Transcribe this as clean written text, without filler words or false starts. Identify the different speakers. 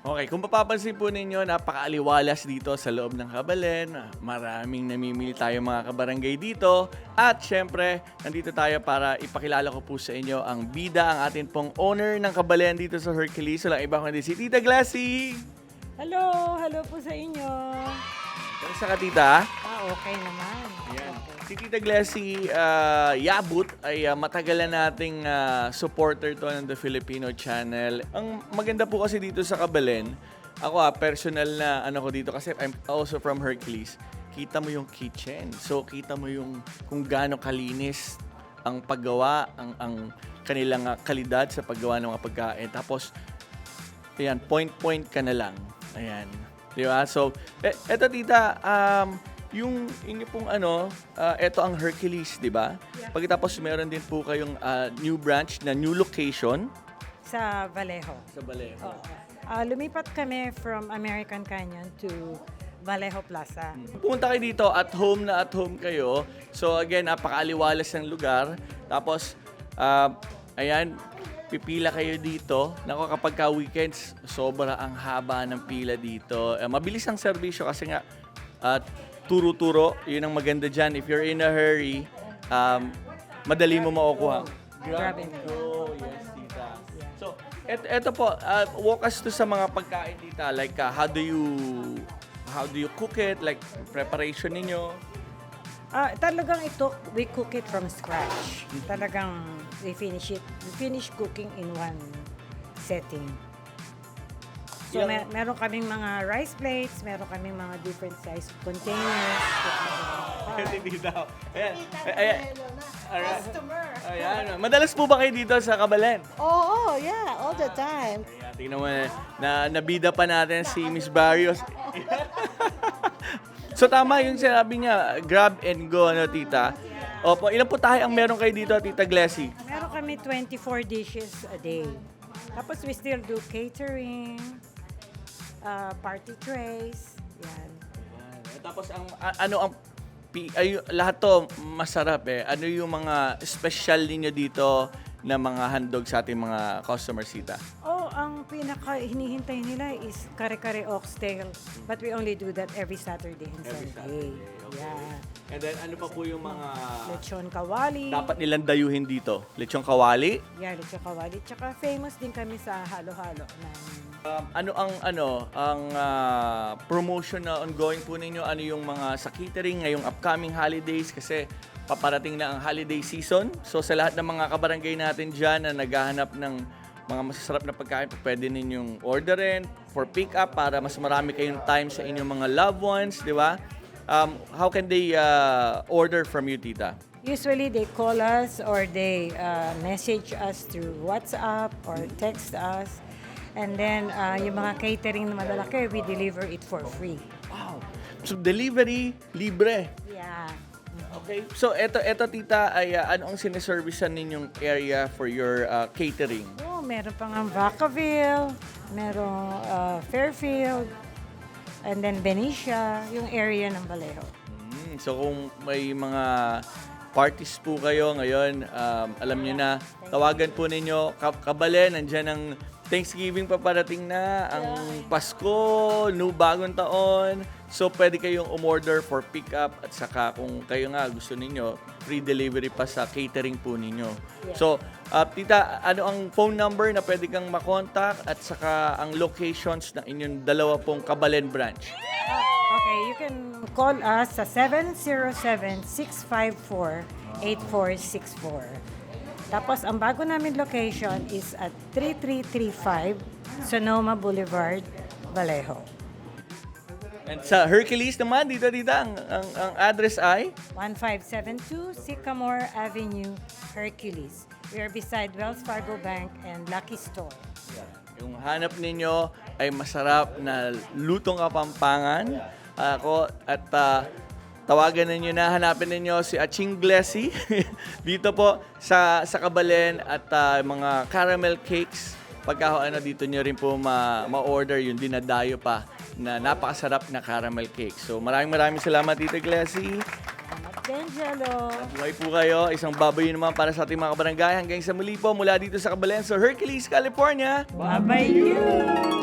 Speaker 1: Okay, kung mapapansin po ninyo, napakaaliwalas dito sa loob ng Kabalen. Maraming namimili tayo mga kabarangay dito. At syempre, nandito tayo para ipakilala ko po sa inyo ang bida, ang atin pong owner ng Kabalen dito sa Hercules. Walang iba kundi si Tita Glassy.
Speaker 2: Hello po sa inyo.
Speaker 1: Kamusta ka, Tita?
Speaker 2: Okay naman.
Speaker 1: Ayan. Si Tita Glassy Yabut ay matagal na nating supporter to ng The Filipino Channel. Ang maganda po kasi dito sa Kabalen, ako personal na ano ko dito kasi I'm also from Hercules. Kita mo yung kitchen. So kita mo yung kung gaano kalinis ang paggawa, ang kanilang kalidad sa paggawa ng mga pagkain. Tapos ayan, point ka na lang. Ayan. Di ba? So, eto tita, yung inyo pong eto ang Hercules, di ba?
Speaker 2: Yeah.
Speaker 1: Pagkatapos meron din po kayong new branch na new location
Speaker 2: Sa Vallejo.
Speaker 1: sa Vallejo.
Speaker 2: Oo. Lumipat kami from American Canyon to Vallejo Plaza.
Speaker 1: Pumunta kayo dito, at home kayo. So again, napakaaliwalas ng lugar. Tapos, ayan, pipila kayo dito. Nako, kapag ka weekends, sobra ang haba ng pila dito. Mabilis ang serbisyo kasi nga, turo-turo, yun ang maganda dyan. If you're in a hurry, madali mo makukuha.
Speaker 2: Grab and
Speaker 1: go. Yes, tita. So, eto po, walk us to sa mga pagkain, tita. Like, how do you cook it? Like, preparation ninyo?
Speaker 2: Talagang we cook it from scratch. Talagang we finish cooking in one setting. So, meron kaming mga rice plates, meron kaming mga different size containers.
Speaker 1: Kasi tita. Ayan.
Speaker 3: Customer.
Speaker 1: Ayan. Madalas po ba kayo dito sa Kabalen?
Speaker 3: Oo, yeah, all the time.
Speaker 1: Ayan, tingnan mo na nabida pa natin si Miss Barrios. So tama yung sinabi niya, grab and go, tita. Opo, ilan po tayo ang meron kayo dito, Tita Glassy?
Speaker 2: Meron kami 24 dishes a day. Tapos we still do catering, party trays, yan.
Speaker 1: Tapos lahat to masarap eh. Ano yung mga special ninyo dito na mga handog sa ating mga customers, tita?
Speaker 2: Ang pinaka hinihintay nila is kare-kare oxtail. But we only do that every Saturday and
Speaker 1: Every
Speaker 2: Sunday.
Speaker 1: Saturday, okay.
Speaker 2: Yeah.
Speaker 1: And then ano pa po yung mga
Speaker 2: Lechon kawali.
Speaker 1: dapat nilang dayuhin dito? Lechong kawali?
Speaker 2: Yeah, lechon kawali. Tsaka famous din kami sa halo-halo namin.
Speaker 1: Ano ang promotion na ongoing po ninyo? Ano yung mga sa catering ngayong upcoming holidays? Kasi paparating na ang holiday season. So sa lahat ng mga kabarangay natin dyan na naghahanap ng mga masasarap na pagkain, pwede ninyong orderin for pick up para mas marami kayong time sa inyong mga loved ones, di ba? How can they order from you, tita?
Speaker 2: Usually they call us or they message us through WhatsApp or text us. And then yung mga catering na malalaki, we deliver it for free.
Speaker 1: Wow! So delivery, libre.
Speaker 2: Yeah.
Speaker 1: Okay. So eto tita, ay ano ang sineservicean ninyong area for your catering?
Speaker 2: Meron pang ang Vacaville, merong Fairfield, and then Benicia, yung area ng Vallejo.
Speaker 1: So kung may mga parties po kayo ngayon, alam niyo na, tawagan po ninyo Kabalen, nandiyan ang Thanksgiving paparating na, ang Pasko, bagong taon. So pwede kayong umorder for pick up at saka kung kayo nga gusto ninyo, free delivery pa sa catering po ninyo.
Speaker 2: Yeah.
Speaker 1: So tita, ano ang phone number na pwede kang makontak at saka ang locations ng inyong dalawa pong Kabalen branch?
Speaker 2: Okay, you can call us sa 707-654-8464. Tapos, ang bago namin location is at 3335 Sonoma Boulevard, Vallejo.
Speaker 1: And sa Hercules naman, dito ang address ay?
Speaker 2: 1572 Sycamore Avenue, Hercules. We are beside Wells Fargo Bank and Lucky Store.
Speaker 1: Yung hanap ninyo ay masarap na lutong kapampangan. Ako at tawagan ninyo na, hanapin ninyo si Aching Glassy dito po sa Kabalen at mga caramel cakes. Pagka dito nyo rin po ma-order yung dinadayo pa na napakasarap na caramel cake. So maraming salamat, Tita Glassy.
Speaker 2: Salamat din, Jello.
Speaker 1: Buhay po kayo. Isang baboy naman para sa ating mga kabarangay. Hanggang sa muli po mula dito sa Kabalen, sa Hercules, California.
Speaker 2: Bye-bye you!